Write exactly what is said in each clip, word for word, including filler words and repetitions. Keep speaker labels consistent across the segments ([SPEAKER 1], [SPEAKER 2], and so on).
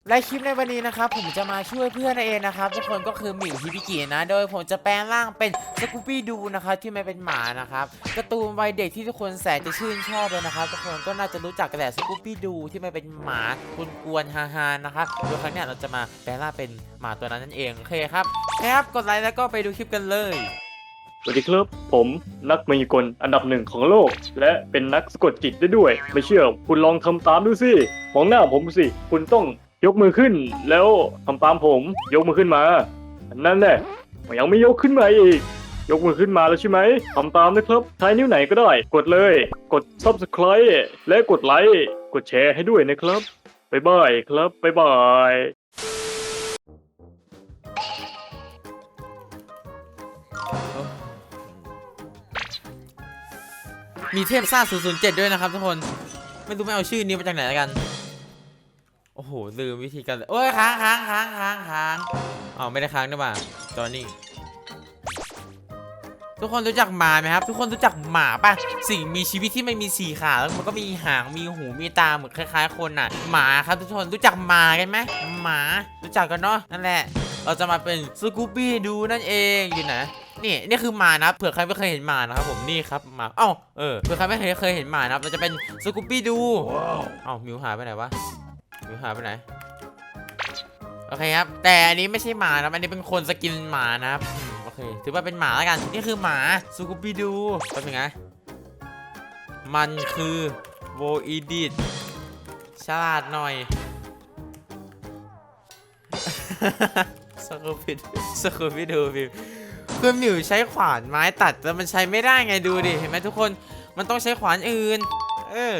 [SPEAKER 1] และคลิปในวันนี้นะครับผมจะมาช่วยเพื่อนเองนะครับทุกคนก็คือหมิวฮิบิกินะโดยผมจะแปลงร่างเป็นสกูปี้ดูนะครับที่มันเป็นหมานะครับการ์ตูนวัยเด็กที่ทุกคนแสนจะชื่นชอบเลยนะครับทุกคนก็น่าจะรู้จักกันแหละสกูปี้ดูที่มันเป็นหมากวนๆฮาๆนะครับโดยครั้งนี้เราจะมาแปลงร่างเป็นหมาตัวนั้นนั่นเองโอเคครับครับกดไลค์แล้วก็ไปดูคลิปกันเลย
[SPEAKER 2] สวัสดีครับผมนักมายากลอันดับหนึ่งของโลกและเป็นนักสะกดจิตได้ด้วยไม่เชื่อคุณลองทำตามดูสิมองหน้าผมสิคุณต้องยกมือขึ้นแล้วทำตามผมยกมือขึ้นมานั่นแหละยังไม่ยกขึ้นมาอีกยกมือขึ้นมาแล้วใช่ไหมทำตามนะครับใช้นิ้วไหนก็ได้กดเลยกด ซับสไครบ์ และกดไลค์กดแชร์ให้ด้วยนะครับบ๊ายบายครับบ๊ายบาย
[SPEAKER 1] มีเทพซ่าศูนย์ศูนย์เจ็ดด้วยนะครับทุกคนไม่รู้ไม่เอาชื่อนี้มาจากไหนแล้วกันโอ้โหลืมวิธีการโอ้ยค้างค้างค้างค้างค้างอ๋อไม่ได้ค้างด้วยป่ะจอนี่ทุกคนรู้จักหมาไหมครับทุกคนรู้จักหมาป่ะสิ่งมีชีวิตที่ไม่มีสี่ขาแล้วมันก็มีหางมีหูมีตาเหมือนคล้ายๆคนน่ะหมาครับทุกคนรู้จักหมากันไหมหมารู้จักกันเนาะนั่นแหละเราจะมาเป็นสกูบี้ดูนั่นเองอยู่ไหนนี่นี่คือหมานะเผื่อใครไม่เคยเห็นหมานะครับผมนี่ครับหมาเอ้าเออเผื่อใครไม่เคยเคยเห็นหมานะเราจะเป็นสกูบี้ดูเอ้ามิวหายไปไหนวะมิวหายไปไหนโอเคครับแต่อันนี้ไม่ใช่หมานะอันนี้เป็นคนสกินหมานะครับโอเคถือว่าเป็นหมาแล้วกันนี่คือหมาสกูบี้ดูเป็นยังไงมันคือโวอีดิตฉลาดหน่อยสกูบี้สกูบี้ดูพิมคือหมิวใช้ขวานไม้ตัดแต่มันใช้ไม่ได้ไงดูดิเห็นไหมทุกคนมันต้องใช้ขวานอื่นเออ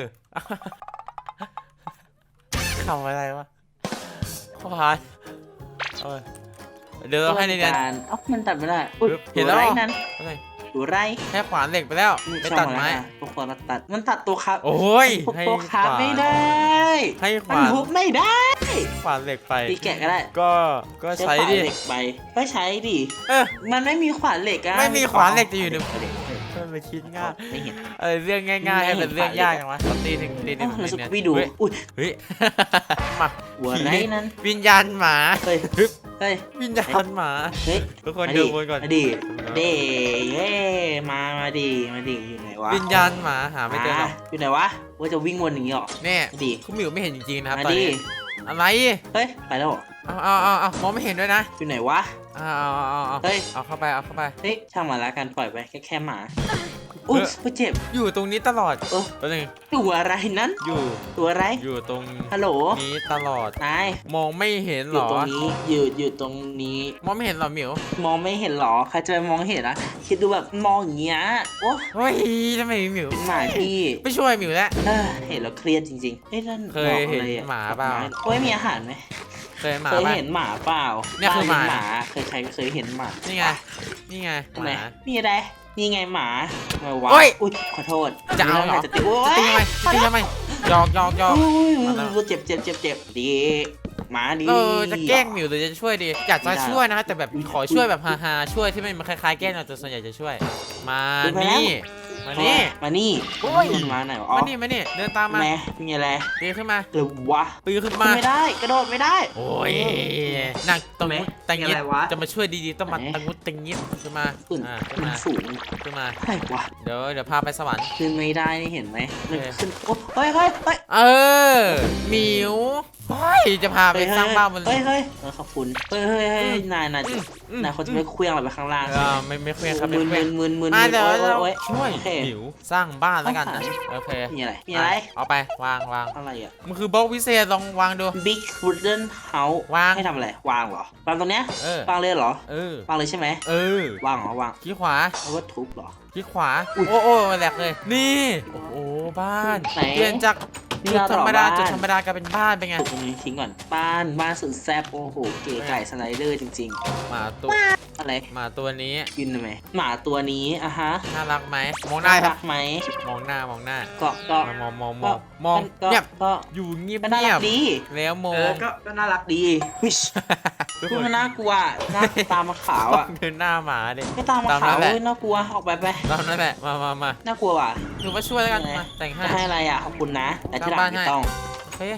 [SPEAKER 1] ทำอะไรวะขวานเออเดี๋ยวเราให้ในเรียน
[SPEAKER 3] เอ้ามันตัดไม่ได้
[SPEAKER 1] เห็นแล้ว
[SPEAKER 3] นั้นดูไร
[SPEAKER 1] แค่ขวานเหล็กไปแล้วไม่ตัดไม้
[SPEAKER 3] ตัวขวานตัดมันตัดตัวครับ
[SPEAKER 1] โอ้ย
[SPEAKER 3] ให้ตัวขาไม่ได้
[SPEAKER 1] ให้ขวาน
[SPEAKER 3] มันทุบไม่ได้
[SPEAKER 1] ขวานเหล็กไป
[SPEAKER 3] ตีแกะก็ได้
[SPEAKER 1] ก็ก็ใช้ดิ
[SPEAKER 3] เหล็กไปก็ใช้ดิ
[SPEAKER 1] เออ
[SPEAKER 3] มันไม่มีขวานเหล็กอะ
[SPEAKER 1] ไม่มีขวานเหล็กจะอยู่ในมันไปคิดง่าย
[SPEAKER 3] ไม่เห็น
[SPEAKER 1] เออเรื่องง่ายๆให้เป็นเรื่องยากจังวะตีหนึ่งตีหนึ่ง
[SPEAKER 3] เราจะไปดูอุ้ย
[SPEAKER 1] เฮ้ยมา
[SPEAKER 3] หัวไรนั้น
[SPEAKER 1] วิญญาณหมา
[SPEAKER 3] เฮ้ยเฮ้ย
[SPEAKER 1] วิญญาณหมา
[SPEAKER 3] เฮ้ย
[SPEAKER 1] ทุกคนดูบนก่อน
[SPEAKER 3] ดิเด้เฮ้มามาดิมาดิอยู่ไหนวะ
[SPEAKER 1] วิญญาณหมาหาไม่เจอหรอก
[SPEAKER 3] อยู่ไหนวะว่าจะวิ่งวนอย่างนี้หรอ
[SPEAKER 1] เนี่ย
[SPEAKER 3] ดิ
[SPEAKER 1] คุณหมิวไม่เห็นจริงๆนะครับตอนนี้อะไร
[SPEAKER 3] เฮ้ยไปแล้ว
[SPEAKER 1] เอาเอาเอาเอามองไม่เห็นด้วยนะ
[SPEAKER 3] อยู่ไหนวะ
[SPEAKER 1] เอาเอาเอาเอาเฮ้ยเอาเข้าไปเอาเข้าไป
[SPEAKER 3] เฮ้ยช่างมาละกันปล่อยไปแค่แค่หมาอุ๊ยเจ็บ
[SPEAKER 1] อยู่ตรงนี้ตลอด
[SPEAKER 3] เออ
[SPEAKER 1] ตัวนึง
[SPEAKER 3] ตัวอะไรนั้น
[SPEAKER 1] อยู่
[SPEAKER 3] ตัวอะไร
[SPEAKER 1] อยู่ตรง
[SPEAKER 3] ฮัลโหล
[SPEAKER 1] นี้ตลอด
[SPEAKER 3] นาย
[SPEAKER 1] มองไม่เห็นหรอ
[SPEAKER 3] อยู่ตรงนี้อยู่อยู่ตรงนี้
[SPEAKER 1] มองไม่เห็นหรอหมิว
[SPEAKER 3] มองไม่เห็นหรอใครจะมองเห็นอะคิดดูแบบมองอย่างเงี้ยโอ้
[SPEAKER 1] เฮ้ยทำไมหมิว
[SPEAKER 3] เป็นหมาที่
[SPEAKER 1] ไม่ช่วยหมิวแล้ว
[SPEAKER 3] เห็นแล้วเครียดจริงๆเอ้ยนั่น
[SPEAKER 1] เคยเห็นหมาเปล่า
[SPEAKER 3] โอ้ยมีอาหารไหม
[SPEAKER 1] เคยหมา
[SPEAKER 3] เคยเห็นหมาเปล่า
[SPEAKER 1] เนี่ยคือหมา
[SPEAKER 3] เคยใครเคยเห็นหมา
[SPEAKER 1] นี่ไงนี่ไง
[SPEAKER 3] หมานี่อะไรนี่ไงหมา
[SPEAKER 1] ม
[SPEAKER 3] าวะอุ้ยขอโทษ
[SPEAKER 1] จะเอาเหรอจะตีทำไมจะตีทำไมหยอกหยอกหยอก
[SPEAKER 3] เจ็บเจ็บเจ็บเจ็บดีหมาดี
[SPEAKER 1] เออจะแกล้งหมิวหรือจะช่วยดีอยากจะช่วยนะแต่แบบขอช่วยแบบฮาๆช่วยที่มันคล้ายๆแกล้งเราแต่ส่วนใหญ่จะช่วยมานี่มานี่
[SPEAKER 3] มานี่มาไหน
[SPEAKER 1] มานี่มานี่เดินตามมา
[SPEAKER 3] แม่มีอะไร
[SPEAKER 1] ปีนขึ้นมา
[SPEAKER 3] หรือวะ
[SPEAKER 1] ปีนขึ้นมา
[SPEAKER 3] ไม่ได้กระโดดไม่ได้
[SPEAKER 1] โอ้ยนั่งตรงนี้ตังงี้จะมาช่วยดีๆต้องมาตังงุดตังงี้ขึ้นมา
[SPEAKER 3] ขึ้นมาสูง
[SPEAKER 1] ขึ้นมา
[SPEAKER 3] ใช่วะ
[SPEAKER 1] เดี๋ยวเดี๋ยวพาไปสวรรค์
[SPEAKER 3] ขึ้นไม่ได้นี่เห็นไหมขึ้นโอ้เฮ้ยเฮ้ยเฮ้ย
[SPEAKER 1] เออหมิวเฮ้ยจะพาไปสร้างบ้านมัน
[SPEAKER 3] เฮ้ยเฮ้ยขอบคุณเฮ้ยเฮ้ยเฮ้ยนายนายนายเขาจะไม่เคลื่อนอะไรไปข้างล่าง
[SPEAKER 1] อ่าไม่ไม่เคลื่อนครับ
[SPEAKER 3] มึนมึนมึนมึน
[SPEAKER 1] มาเดี๋ยวเราช่วยหมิวสร้างบ้านแล้วกันนะโอเค
[SPEAKER 3] มีอะไรมีอะไร
[SPEAKER 1] เอาไปวางวาง
[SPEAKER 3] อะไรอ่ะ
[SPEAKER 1] มันคือบล็อกวิเศษลองวางดู
[SPEAKER 3] Big Wooden House
[SPEAKER 1] วาง
[SPEAKER 3] ให้ทำอะไรวางเหรอวางตรงเนี้ยวางเลยเหรอ
[SPEAKER 1] เออ
[SPEAKER 3] วางเลยใช่ไหม
[SPEAKER 1] เออ
[SPEAKER 3] วางเหรอวาง
[SPEAKER 1] ขี้ขวา
[SPEAKER 3] แล้วก็ทุบเหรอ
[SPEAKER 1] ขี้ขวาโอ้โอ้แหลกเลยนี่โอ้โหบ้านเปลี่ยนจากจุดธรรมดาจุดธรรมดากลายเป็นบ้านเป็นไง
[SPEAKER 3] ตรงนี้ทิ้งก่อนบ้านบ้านสุดแซ่บโอ้โหเก๋ไก่สไลเดอร์จริง
[SPEAKER 1] ๆหมาตัว
[SPEAKER 3] อะไร
[SPEAKER 1] หมาตัวนี้
[SPEAKER 3] กินไหมหมาตัวนี้อะฮะ
[SPEAKER 1] น่ารักไหมมองหน้า
[SPEAKER 3] รักไหม
[SPEAKER 1] มองหน้ามองหน้า
[SPEAKER 3] ก็ก็
[SPEAKER 1] มองมองมองมองเงียบก็อยู่เงียบเงียบ
[SPEAKER 3] ดี
[SPEAKER 1] แล้วมอง
[SPEAKER 3] ก็ก็น่ารักดีวิชคือมันน่ากลัวหน้าตามาขาวอ่ะ
[SPEAKER 1] คือหน้าหมาดิ
[SPEAKER 3] ไม่ตามาขาวเลยน่ากลัวออกไปไป
[SPEAKER 1] ตามนั่นแหละมามามา
[SPEAKER 3] น่ากลัวว่ะ
[SPEAKER 1] หนูมาช่วยแล้วกันมาแต่งให้
[SPEAKER 3] ให้อะไรอ่ะขอบคุณนะแต่ที่หลังไม่ต้อง
[SPEAKER 1] โอเค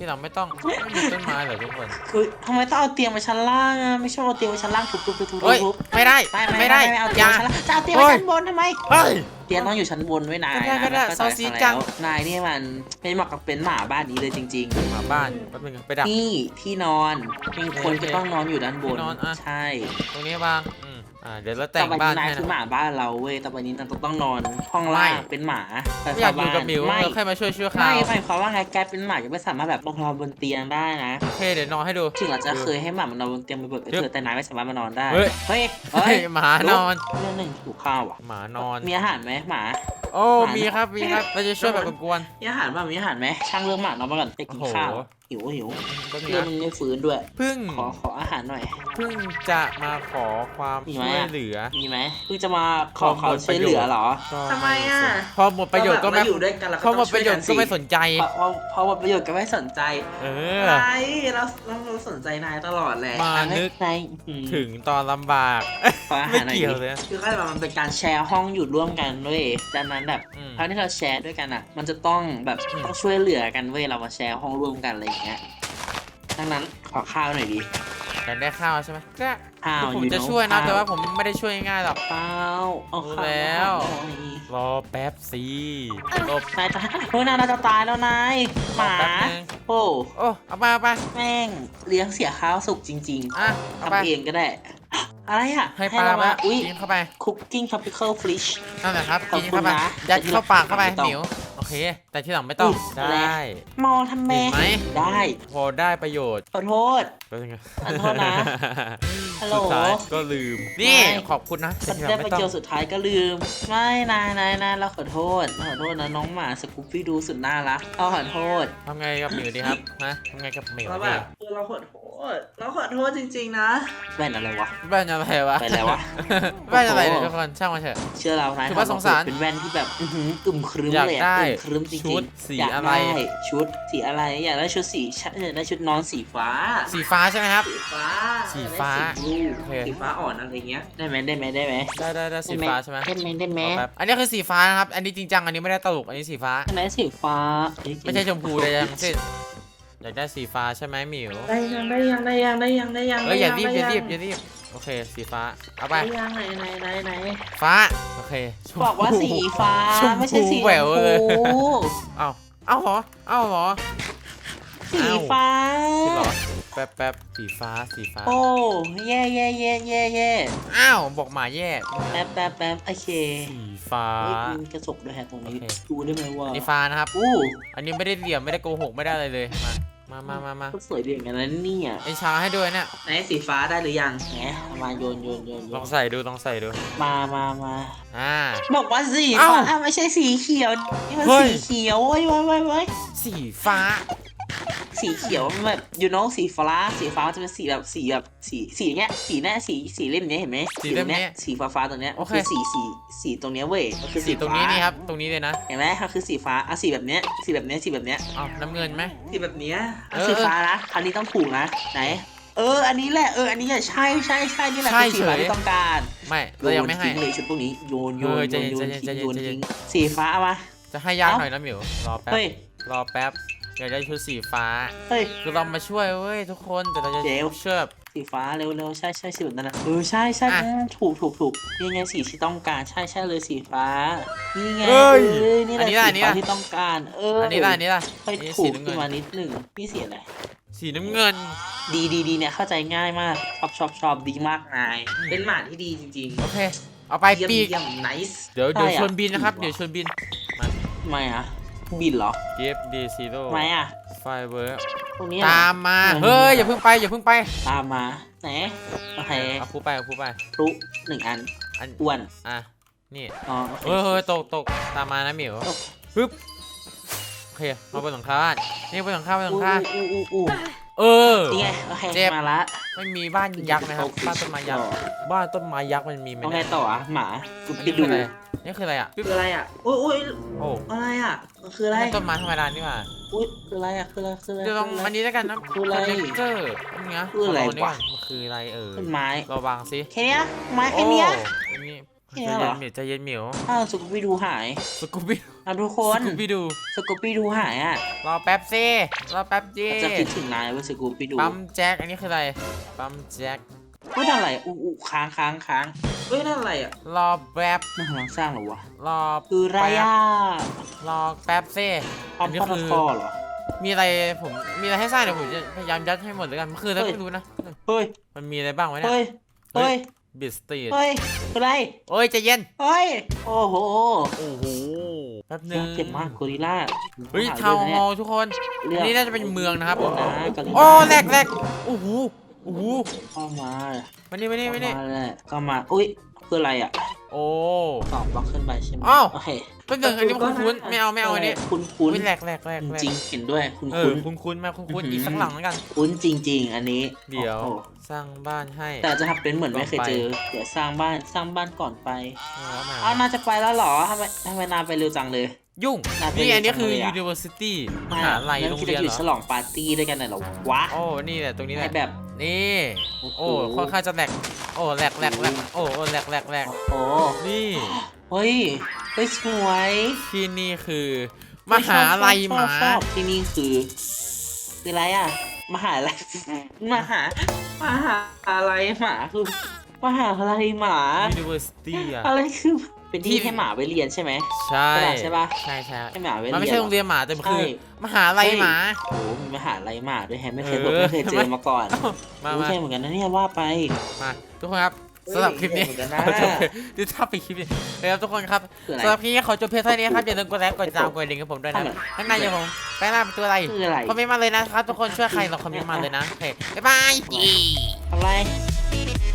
[SPEAKER 1] ที่เราไม่ต้องไม่มีต้นไม้เหรอทุกคน
[SPEAKER 3] เฮ้ยทำไมต้องเอาเตียงมาชั้นล่างอะไม่ชอบเอาเตียงมาชั้นล่างทุบทุบทุบทุบ
[SPEAKER 1] เฮ้ย
[SPEAKER 3] ทุบ
[SPEAKER 1] ไม่ได้
[SPEAKER 3] ไม่ไม่
[SPEAKER 1] ไม่ได้
[SPEAKER 3] ไม่เอา
[SPEAKER 1] อ
[SPEAKER 3] เตียง
[SPEAKER 1] ย่า
[SPEAKER 3] มาชั้นล่างจะเอาเตียงมาชั้นบนทำไม
[SPEAKER 1] เฮ้ย
[SPEAKER 3] เตียงต้องอยู่ชั้นบนไว้นาย
[SPEAKER 1] ก็ได้ก็ได้
[SPEAKER 3] นะ
[SPEAKER 1] ซอสซีดจัง
[SPEAKER 3] นายนี่มันไม่เหมาะกับเป็นหมาบ้านนี้เลยจริง
[SPEAKER 1] หมาบ้านแป๊บนึงไปดัก
[SPEAKER 3] ๆ นี่ที่นอนมีคนก็ต้องนอนอยู่ด้านบน
[SPEAKER 1] ที่นอนอะ
[SPEAKER 3] ใช่
[SPEAKER 1] ตรงนี้บ้างอืมอ่าเดี๋ยวเราแต่
[SPEAKER 3] ต่อง ไป
[SPEAKER 1] บ้า
[SPEAKER 3] นี้
[SPEAKER 1] น
[SPEAKER 3] นาย
[SPEAKER 1] ให้
[SPEAKER 3] คือห
[SPEAKER 1] นะ
[SPEAKER 3] มาบ้านเราเว้ยต่อไปนี้นายต้องนอนห้องล่าง
[SPEAKER 1] ไม่
[SPEAKER 3] เป็นหมาแต่
[SPEAKER 1] ไม่อยากอยู่กับหมิว
[SPEAKER 3] ไม่
[SPEAKER 1] เราแค่มาช่วยช่วยเขา
[SPEAKER 3] ไม่ไม่เพราะว่าไงแกเป็นหมาจะไม่สามารถแบบนอนบนเตียงได้นะ
[SPEAKER 1] โอเคเดี๋ยวนอนให้ดู
[SPEAKER 3] ถึงเราจะเคยให้หมามันนอนบนเตียงบ่อยๆก็เถอะแต่นายไม่สามารถมานอนได้
[SPEAKER 1] เฮ้ย
[SPEAKER 3] เฮ้ย
[SPEAKER 1] เฮ้ยหมานอน
[SPEAKER 3] เรื่องหนึ่งถูกข้าวอ่ะ
[SPEAKER 1] หมานอน
[SPEAKER 3] มีอาหารไหมหมา
[SPEAKER 1] โอ้
[SPEAKER 3] หมามี
[SPEAKER 1] มีครับมีครับเราจะช่วยแบบกวน
[SPEAKER 3] มีอาหารป่ะมีอาหารไหมช่างเรื่องหมานอนมาก่อนไปกินข้าว
[SPEAKER 1] โอ้โห
[SPEAKER 3] หิวหิว
[SPEAKER 1] ๆแป๊บนึง
[SPEAKER 3] เรื่อง
[SPEAKER 1] นะ
[SPEAKER 3] มันไม่ฟื้นด้วย
[SPEAKER 1] เพึ่ง
[SPEAKER 3] ขอขออาหารหน่อย
[SPEAKER 1] เพึ่งจะมาขอความ
[SPEAKER 3] มีไหม
[SPEAKER 1] ช่วย
[SPEAKER 3] อะ
[SPEAKER 1] เหลือ
[SPEAKER 3] มีไหมเพิ่งจะมาขอ
[SPEAKER 1] ขอ
[SPEAKER 3] เขา
[SPEAKER 1] หมด
[SPEAKER 3] ช่วยเหลือเหรอ
[SPEAKER 1] ก็
[SPEAKER 3] ทำไมอะ
[SPEAKER 1] พอหมดประโยชน์ก็ไม่
[SPEAKER 3] เราอยู่ด้วยกันเราก็
[SPEAKER 1] พอหม
[SPEAKER 3] ต้อ
[SPEAKER 1] ด
[SPEAKER 3] ง
[SPEAKER 1] ป
[SPEAKER 3] ช่วย
[SPEAKER 1] ระโย
[SPEAKER 3] กั
[SPEAKER 1] ช
[SPEAKER 3] น
[SPEAKER 1] น์
[SPEAKER 3] สิ
[SPEAKER 1] ก็ไม่สนใจ
[SPEAKER 3] พอพอพอหมดประโยชน์ก็ไม่สนใจ
[SPEAKER 1] เออ
[SPEAKER 3] อะไรเราเราเราสนใจนายตลอดแหละ
[SPEAKER 1] มานึก
[SPEAKER 3] นายอืม
[SPEAKER 1] ถึงตอนลำบาก
[SPEAKER 3] ขออาหา
[SPEAKER 1] ไม่
[SPEAKER 3] รหน่อย
[SPEAKER 1] เกี่ยว
[SPEAKER 3] ดิ
[SPEAKER 1] เลย
[SPEAKER 3] คือแค่แบบมันเป็นการแชร์ห้องอยู่ร่วมกันด้วยดังนั้นแบบ
[SPEAKER 1] อืม
[SPEAKER 3] ครั้งที่เราแชร์ด้วยกันอ่ะ มันจะต้องแบบ
[SPEAKER 1] อืม
[SPEAKER 3] ต้องช่วยเหลือกันเว้ยเรามาแชร์ห้องร่วมกันอะไรอย่างเงี้ยดังนั้นขอข้าวหน่อยดิ
[SPEAKER 1] อยากได้ข้าวใช่ไหมก็
[SPEAKER 3] ข้าว
[SPEAKER 1] ผม
[SPEAKER 3] อยู่
[SPEAKER 1] จะ
[SPEAKER 3] เนอะ
[SPEAKER 1] ช่วยนะ
[SPEAKER 3] ข้าว
[SPEAKER 1] แต่ว่าผมไม่ได้ช่วยง่ายหรอก
[SPEAKER 3] เปล่าเอาข้าว
[SPEAKER 1] รู้แล้ว
[SPEAKER 3] มาหน่อย
[SPEAKER 1] รอแป๊บสิรอน
[SPEAKER 3] ายจะเฮ้ยนายเราจะตายแล้วนายหมา
[SPEAKER 1] แป๊บนึง
[SPEAKER 3] โอ้
[SPEAKER 1] โอ้เอามาเอาไป
[SPEAKER 3] แม่งเลี้ยงเสียข้าวสุกจริง
[SPEAKER 1] อ่ะ
[SPEAKER 3] ๆ
[SPEAKER 1] เอาไป
[SPEAKER 3] ทำเองก็ได้ อะไรอ่ะ
[SPEAKER 1] ให้ปลา
[SPEAKER 3] เรา
[SPEAKER 1] มา
[SPEAKER 3] มาอุ้ย
[SPEAKER 1] กินเข้าไป
[SPEAKER 3] cooking tropical fish
[SPEAKER 1] นั่นแหละครับ
[SPEAKER 3] ขอบ
[SPEAKER 1] กิน
[SPEAKER 3] คุณ
[SPEAKER 1] เข้าไป
[SPEAKER 3] นะ
[SPEAKER 1] ยัดเข้าปากเข้าไป
[SPEAKER 3] ไม่ต้อง
[SPEAKER 1] หมิวโอเค แต่ที่หลังไม่ต้อง
[SPEAKER 3] อุ๊ย
[SPEAKER 1] ได้
[SPEAKER 3] มองทำไม
[SPEAKER 1] เห็นไหม
[SPEAKER 3] ได้
[SPEAKER 1] พอได้ประโยชน์
[SPEAKER 3] ขอโทษ
[SPEAKER 1] ก็ยังไง
[SPEAKER 3] ขอโทษนะ ฮัลโหล
[SPEAKER 1] สุดท้ายก็ลืม นี่
[SPEAKER 3] ไม่
[SPEAKER 1] ขอบคุณนะแต่ที่หลั
[SPEAKER 3] ได้
[SPEAKER 1] ง
[SPEAKER 3] ไป
[SPEAKER 1] ไม่ต้อ
[SPEAKER 3] เจ
[SPEAKER 1] ง
[SPEAKER 3] อสุดท้ายก็ลืม ไม่นายนายนายเราขอโทษเราขอโทษนะน้องหมาสกูปปี้ดูสุดน่ารักเราขอโทษ
[SPEAKER 1] ทำไงกับหมิวดีครับฮะทำไงกับหมิว
[SPEAKER 3] เรา
[SPEAKER 1] ดี
[SPEAKER 3] แบบเออเราขอโทษเราขอโทษจริงๆนะแว่นอะไรวะ
[SPEAKER 1] แว่นอะไรวะ
[SPEAKER 3] แว่นอะไรวะ
[SPEAKER 1] แว่นอะไรเนี่ย
[SPEAKER 3] โอ้
[SPEAKER 1] ทุก
[SPEAKER 3] โห
[SPEAKER 1] คนช่างมาเถอะ
[SPEAKER 3] เชื่อเรานาย
[SPEAKER 1] ถือว่าสงสาร
[SPEAKER 3] เป็นแว่นที่แบบอื้อหืออึมครึ้ม
[SPEAKER 1] อยาก
[SPEAKER 3] เลย
[SPEAKER 1] ได้
[SPEAKER 3] อะอึมครึ้มจริงๆ
[SPEAKER 1] ชุดสี
[SPEAKER 3] อยาก
[SPEAKER 1] อะไร
[SPEAKER 3] ได้ชุดสีอะไรอยากได้ชุดสีชอยากได้ชุดนอนสีฟ้า
[SPEAKER 1] สีฟ้าใช่ไหมครับ
[SPEAKER 3] สีฟ้า
[SPEAKER 1] สีฟ้า
[SPEAKER 3] สี
[SPEAKER 1] โอเค
[SPEAKER 3] สีฟ้าอ่อนอะไรเงี้ยได้ไหมได้ไหมได้ไหม
[SPEAKER 1] ได้ได้ได้สีฟ้าใช่ไหม
[SPEAKER 3] ได้ไหมได้ไหม
[SPEAKER 1] เอาแป๊บอันนี้คือสีฟ้านะครับ อันนี้จริงจัง อันนี้ไม่ได้ตลก อันนี้สีฟ้า
[SPEAKER 3] ได้ไหมสีฟ้าเอ้ย
[SPEAKER 1] ไม่ใช่ชมพูเลยทั้งสิ้นอยากได้สีฟ้าใช่ไหมหมิว
[SPEAKER 3] ได้ยังได้ยังได้ยังได้ยังได้ยัง
[SPEAKER 1] เอ้ยอย่ารีบอย่า
[SPEAKER 3] ได้
[SPEAKER 1] รี
[SPEAKER 3] ง
[SPEAKER 1] บอย่ารีบ โอเค สีฟ้า เอาไป
[SPEAKER 3] ได้ยังไหนไหนไหนไหน
[SPEAKER 1] ฟ้า โอเคชมพู
[SPEAKER 3] บอกว่าสีฟ้า
[SPEAKER 1] ชมพู
[SPEAKER 3] ไม่ใช่สีช
[SPEAKER 1] แหว
[SPEAKER 3] ม
[SPEAKER 1] วเลย
[SPEAKER 3] พู
[SPEAKER 1] เอาเอาเหรอ เอาเหรอ
[SPEAKER 3] สีฟ้า
[SPEAKER 1] จริงเหรอ แป๊บแป๊บสีฟ้า สีฟ้า
[SPEAKER 3] โอ้เย่เย่เย่เย่เย่
[SPEAKER 1] อ้าว บอกหมาแย่
[SPEAKER 3] แป๊บแป๊บแป๊บโอเค
[SPEAKER 1] สีฟ้า
[SPEAKER 3] เฮ้ยมีกระจกด้วยฮะตรงนี้
[SPEAKER 1] โอเค
[SPEAKER 3] ดูได้ไหมว่า
[SPEAKER 1] อันนี้ฟ้านะครับ
[SPEAKER 3] อู้
[SPEAKER 1] อันนี้ไม่ได้เหลี่ยม ไม่ได้โกหก ไม่ได้อะไรเลย มา มามามามา
[SPEAKER 3] ก็สวยดีเหมือนกันนะเนี่ย
[SPEAKER 1] ไอชาให้ด้วยเนี่ย
[SPEAKER 3] ไหนสีฟ้าได้หรือยังแหมเอามาโยนโยนโยนโย
[SPEAKER 1] ลอง
[SPEAKER 3] น
[SPEAKER 1] ใส่ดู ลองใส่ดู
[SPEAKER 3] มามามา
[SPEAKER 1] อ่า
[SPEAKER 3] บอกว่าสี
[SPEAKER 1] เอ้า
[SPEAKER 3] ฟ้าไม่ใช่สีเขียวนี่มัน
[SPEAKER 1] เฮ้ย
[SPEAKER 3] สีเขียวเว้ยเว้ยเว้ยเว้ย
[SPEAKER 1] สีฟ้า
[SPEAKER 3] สีเขียวมันแบบ you know สีฟ้าสีฟ้าจะเป็นสีแบบสีแบบสีสีเนี้ยสีเนี้ยสีสีเล่มเนี้ยเห็นไหม
[SPEAKER 1] สีเล่มเนี้ย
[SPEAKER 3] สีฟ้าฟ้าๆตรงเนี้ย
[SPEAKER 1] โอเค
[SPEAKER 3] คือสีสีสีตรงเนี้ยเว้ยมันคือ
[SPEAKER 1] สีตรงนี้
[SPEAKER 3] ฟ้า
[SPEAKER 1] นี่ครับ ตรงนี้เลยนะ
[SPEAKER 3] เห็นไหมมันคือสีฟ้าอ่ะสีแบบเนี้ยสีแบบเนี้ยสีแบบเนี้ย
[SPEAKER 1] เอาน้ำเงินไหม
[SPEAKER 3] สีแบบเนี้ยอ่ะ
[SPEAKER 1] เออ
[SPEAKER 3] สีฟ้านะคราวนี้ต้องถูกนะไหน เอออันนี้แหละเอออันนี้แหละใช่ใช่ใช่นี่แหละ
[SPEAKER 1] ใช่
[SPEAKER 3] คือสีฟ้า
[SPEAKER 1] เฉย
[SPEAKER 3] ที่ต้องการ
[SPEAKER 1] ไม่ เรายังไม่ให้
[SPEAKER 3] โนทิ้งเลยชุดพวกนี้โยนโยน
[SPEAKER 1] เออใจ
[SPEAKER 3] โยน
[SPEAKER 1] เย็น
[SPEAKER 3] โยน
[SPEAKER 1] ใจเย็น
[SPEAKER 3] ทิ้งโยน
[SPEAKER 1] ใจเย็น
[SPEAKER 3] ทิ้งสีฟ้าเอามา
[SPEAKER 1] จะให้ยาก
[SPEAKER 3] เอ้า
[SPEAKER 1] หน่อยนะหมิว รอแป๊บ
[SPEAKER 3] เฮ้ย
[SPEAKER 1] รอแป๊บ อยากได้ชุดสีฟ้า
[SPEAKER 3] เฮ้ย
[SPEAKER 1] คือเรามาช่วยเว้ยทุกคน แต่เราจะ
[SPEAKER 3] เดี๋ยว
[SPEAKER 1] ช่วยแบบ
[SPEAKER 3] สีฟ้าเร็วๆใช่ใช่สีแบบนั้นนะเออใช่ใช่
[SPEAKER 1] อ่ะ
[SPEAKER 3] อืมถูกถูกถูกนี่ไงสีที่ต้องการใช่ใช่เลยสีฟ้านี่ไง
[SPEAKER 1] เอ้ย
[SPEAKER 3] เออนี่แหละ
[SPEAKER 1] อันนี้
[SPEAKER 3] สี
[SPEAKER 1] ล่ะอันนี้
[SPEAKER 3] ฟ้า
[SPEAKER 1] ล่ะ
[SPEAKER 3] ที่ต้องการ เออ
[SPEAKER 1] อั
[SPEAKER 3] อั
[SPEAKER 1] นนี้ล่ะอันนี้ล่ะ
[SPEAKER 3] ค่อย
[SPEAKER 1] อันนี้
[SPEAKER 3] ถู
[SPEAKER 1] สี
[SPEAKER 3] ก
[SPEAKER 1] น้ำ
[SPEAKER 3] ขึ้
[SPEAKER 1] เงิ
[SPEAKER 3] น
[SPEAKER 1] น
[SPEAKER 3] มานิดหนึ่งพี่สีอะไร
[SPEAKER 1] สีน้ำเงิน
[SPEAKER 3] ดีดีดีเนี่ยเข้าใจง่ายมากชอบชอบชอบดีมากนาย เป็นหมาที่ดีจริง
[SPEAKER 1] โอเค เอาไป
[SPEAKER 3] ๆเยี่ยม
[SPEAKER 1] ปีก
[SPEAKER 3] เยี่ยม nice
[SPEAKER 1] เดี๋ยวเดี๋ยว
[SPEAKER 3] ใอะ
[SPEAKER 1] ชวนบินนะครับ เดี๋ยวชวนบิน มา
[SPEAKER 3] ทำไมอ่ะบินเหรอ
[SPEAKER 1] เกฟดีซีโร่
[SPEAKER 3] ทำไมอ่ะ
[SPEAKER 1] ไฟเวิร์
[SPEAKER 3] พวกนี้
[SPEAKER 1] ตามมา
[SPEAKER 3] อืม
[SPEAKER 1] เฮ้ย อย่าเพิ่งไป อย่าเพิ่งไป
[SPEAKER 3] ตามมาไหนโอเค
[SPEAKER 1] เอาพูไปเอาพูไป
[SPEAKER 3] พลุหนึ่งอัน
[SPEAKER 1] อัน
[SPEAKER 3] อ้วน
[SPEAKER 1] อ่ะ นี่
[SPEAKER 3] อ๋อโอเค
[SPEAKER 1] เฮ้ยเฮ้ยตกตกตามมานะหมิว
[SPEAKER 3] ตก
[SPEAKER 1] ปึ๊บ โอเคมาบนหลังคาบ้านนี่บนหลังคาบนหลั
[SPEAKER 3] อู้
[SPEAKER 1] งคา
[SPEAKER 3] อู้อู้อู้
[SPEAKER 1] เออ
[SPEAKER 3] นี่ไงโอเค
[SPEAKER 1] เจ็บ
[SPEAKER 3] มาละ
[SPEAKER 1] ไม่มีบ้านยักษ์ไหมครับ บ้านต้นไม้ยักษ์ บ้านต้นไม้ยักษ์มันมีไหม
[SPEAKER 3] เอาไง
[SPEAKER 1] เนี่ย
[SPEAKER 3] ต่ออ่ะหมากู
[SPEAKER 1] อัน
[SPEAKER 3] ไป
[SPEAKER 1] นี้คื
[SPEAKER 3] ดู
[SPEAKER 1] ออะไรนี่คืออะไรอ่ะ
[SPEAKER 3] คืออะไรอ่ะอุ้ยอุ้ย
[SPEAKER 1] โอ้
[SPEAKER 3] อะไรอ่ะมันคืออะไร
[SPEAKER 1] นี่ต้นไม้ธรรมดานี่หว่า
[SPEAKER 3] อุ้ยคืออะไรอ่ะคืออะไรคืออะไร
[SPEAKER 1] เดี๋ยวลอง
[SPEAKER 3] คืะ
[SPEAKER 1] อันนี้แล้วกันนะ
[SPEAKER 3] คืออะไร
[SPEAKER 1] คอนเนคเตอร์นี่นะ
[SPEAKER 3] คืออะไร
[SPEAKER 1] ขงนี่ก่
[SPEAKER 3] วะ
[SPEAKER 1] นมันคืออะไรเออ
[SPEAKER 3] ต้นไม้
[SPEAKER 1] เราวางสิ
[SPEAKER 3] แค่เนี้ยไม้แค่เนี้ย
[SPEAKER 1] โอ้อันนี้
[SPEAKER 3] แค่
[SPEAKER 1] ใจ
[SPEAKER 3] เนี้ยเหร
[SPEAKER 1] เย็
[SPEAKER 3] อ
[SPEAKER 1] นหมิวใจเย็นหมิว
[SPEAKER 3] อ้าวสุกไปดูหาย
[SPEAKER 1] สกูบี้
[SPEAKER 3] เอาทุกค
[SPEAKER 1] ส
[SPEAKER 3] น
[SPEAKER 1] กูปี้ดู
[SPEAKER 3] สกูปี้ดูหายอ่ะ
[SPEAKER 1] รอแป๊บซิรอแป๊บจี
[SPEAKER 3] จะคิดถึงนายว่าสกูปี้ดู
[SPEAKER 1] ปั๊มแจ็คอันนี้คืออะไรปั๊มแจ็ค
[SPEAKER 3] เฮ้ยนั่นอะไรอู้อู้ค้างค้างค้างเฮ้ยนั่นอะไรอ่ะ
[SPEAKER 1] รอแป๊บ
[SPEAKER 3] มันกำลังสร้างเหรอวะ
[SPEAKER 1] รอ
[SPEAKER 3] คือไรอ่ะ
[SPEAKER 1] รอแป๊บซิ
[SPEAKER 3] พอ
[SPEAKER 1] อั
[SPEAKER 3] ม
[SPEAKER 1] นนี้
[SPEAKER 3] พอ
[SPEAKER 1] คือ
[SPEAKER 3] คอเหรอ
[SPEAKER 1] มีอะไรผมมีอะไรให้สร้างเดี๋ยวผมจะพยายามยัดให้หมดเลยกันมันคืออะไร
[SPEAKER 3] เฮ้ย
[SPEAKER 1] ไม่รู้นะ
[SPEAKER 3] เฮ้ย
[SPEAKER 1] มันมีอะไรบ้างวะเนี่ย
[SPEAKER 3] เฮ้ยเฮ้ย
[SPEAKER 1] บิสตีด
[SPEAKER 3] เฮ้ยอะไร
[SPEAKER 1] โอ้ยใจเย็น
[SPEAKER 3] เฮ้ยโอ้โห
[SPEAKER 1] โอ้โหแป๊บนึง
[SPEAKER 3] เจ็บมากกอริลล่า
[SPEAKER 1] เฮ้ย
[SPEAKER 3] ห
[SPEAKER 1] ทาวน์
[SPEAKER 3] ด้
[SPEAKER 1] ฮ
[SPEAKER 3] ว
[SPEAKER 1] อล
[SPEAKER 3] ย
[SPEAKER 1] ล์ทุกคน
[SPEAKER 3] เลือก
[SPEAKER 1] อันนี้น่าจะเป็นเมืองนะครับ
[SPEAKER 3] เลือกนะกอริลล่า
[SPEAKER 1] โอ้แหลกแหลกโอ้โหโอ้โห
[SPEAKER 3] เข้ามา
[SPEAKER 1] มานี่มานี่มานี่
[SPEAKER 3] เข้ามาเลยเข้ามาอุ้ยคืออะไรอ่ะ
[SPEAKER 1] โอ้
[SPEAKER 3] ตอบบล็อกขึ้นไปใช่ไหม
[SPEAKER 1] อ้าว
[SPEAKER 3] โอเค
[SPEAKER 1] ต้นหนึ่งอันนี้มันคุ้นๆไม่เอาไม่เอาอันนี้
[SPEAKER 3] คุ้นคุ้น
[SPEAKER 1] ไม่แหลกแหลกแหลกแหลก
[SPEAKER 3] จริงๆเห็นด้วยคุ้น
[SPEAKER 1] เอ
[SPEAKER 3] คุ้
[SPEAKER 1] อน คุ้นคุ้นๆมาคุ้นคุ้น
[SPEAKER 3] อื้อหืออี
[SPEAKER 1] อีกสักหลังแล้วกัน
[SPEAKER 3] คุ้นจริง ๆ อันนี้
[SPEAKER 1] เดี๋ยว
[SPEAKER 3] โอ้โห
[SPEAKER 1] สร้างบ้านให้
[SPEAKER 3] แต่จะทำเป็นเหมือนไม่เคยเจอ เดี๋ยวสร้างบ้านสร้างบ้านก่อนไป
[SPEAKER 1] เอามา
[SPEAKER 3] เอาน่าจะไปแล้วเหรอทำไมทำไมนานไปเร็วจังเลย
[SPEAKER 1] ยุ่ง
[SPEAKER 3] น่าจะ
[SPEAKER 1] นี่อันนี้คือ
[SPEAKER 3] จังเลยอะ
[SPEAKER 1] university มหาลัย
[SPEAKER 3] แล้
[SPEAKER 1] โร
[SPEAKER 3] ว
[SPEAKER 1] ง
[SPEAKER 3] คิด
[SPEAKER 1] เรีย
[SPEAKER 3] จะ
[SPEAKER 1] น
[SPEAKER 3] อยู่
[SPEAKER 1] เหร
[SPEAKER 3] ฉ
[SPEAKER 1] อ
[SPEAKER 3] ลองปาร์ตี้ด้วยกันน่ะเหรอวะ
[SPEAKER 1] โอ้นี่แหละตรงนี้แห
[SPEAKER 3] ให้
[SPEAKER 1] ละ
[SPEAKER 3] แบบ
[SPEAKER 1] นี่
[SPEAKER 3] โอ้โห
[SPEAKER 1] โอ้ค่อนข้างจะแหลกโอ้แหลกแหลกแหลกโอ้โอ้แหลกแหลกแหลก
[SPEAKER 3] โอ้โห
[SPEAKER 1] นี่
[SPEAKER 3] เฮ้ยเฮ้ยสวย
[SPEAKER 1] ที่นี่คือมหาลัยหมา
[SPEAKER 3] ชอบชอบชอบที่นี่คือคืออะไรอ่ะมหาลัยมหามหาอะไรหมาคือมหาลัยหมา
[SPEAKER 1] university อะ
[SPEAKER 3] อะไรคือเป็นที่
[SPEAKER 1] ที่
[SPEAKER 3] ให้หมาไปเรียนใช่ไหม
[SPEAKER 1] ใช่
[SPEAKER 3] ใช่ปะ
[SPEAKER 1] ใช่ใช่
[SPEAKER 3] ให้หมาไปเรียน
[SPEAKER 1] มันไม่ใช่โรงเรียนหมาแต่มันคือ
[SPEAKER 3] ใช่
[SPEAKER 1] มหาลัยหมา
[SPEAKER 3] โอ้โหมีมหาลัยหมาด้วยแฮะไม่เคย
[SPEAKER 1] เอ
[SPEAKER 3] บอก
[SPEAKER 1] อ
[SPEAKER 3] ไม่เคยเจอมาก่อน
[SPEAKER 1] มา
[SPEAKER 3] รู้
[SPEAKER 1] มา
[SPEAKER 3] ใช่เหมือนกันนะเนี่ยว่าไป
[SPEAKER 1] มาทุกคนครับสำหรับคลิปนี้
[SPEAKER 3] เหมือนกันนะ
[SPEAKER 1] เราจบดูถ้าไปคลิปนี้เลยครับทุกคนครับ
[SPEAKER 3] คืออะไร
[SPEAKER 1] สำหรับคลิปนี้ขอจบเพียงเท่านี้ครับอย่าลืมกดไลค์กดติดตามกดดิ่งกับผมด้วยนะ
[SPEAKER 3] ทำไม
[SPEAKER 1] ข้างในอย่าผมแป้งหน้าเป็นตัวอะไร
[SPEAKER 3] คืออะไร
[SPEAKER 1] คอมเมนต์มาเลยนะครับทุกคนช่วยใครเราคอมเมนต์มาเลยนะโอเคบ๊ายบาย
[SPEAKER 3] ทำไร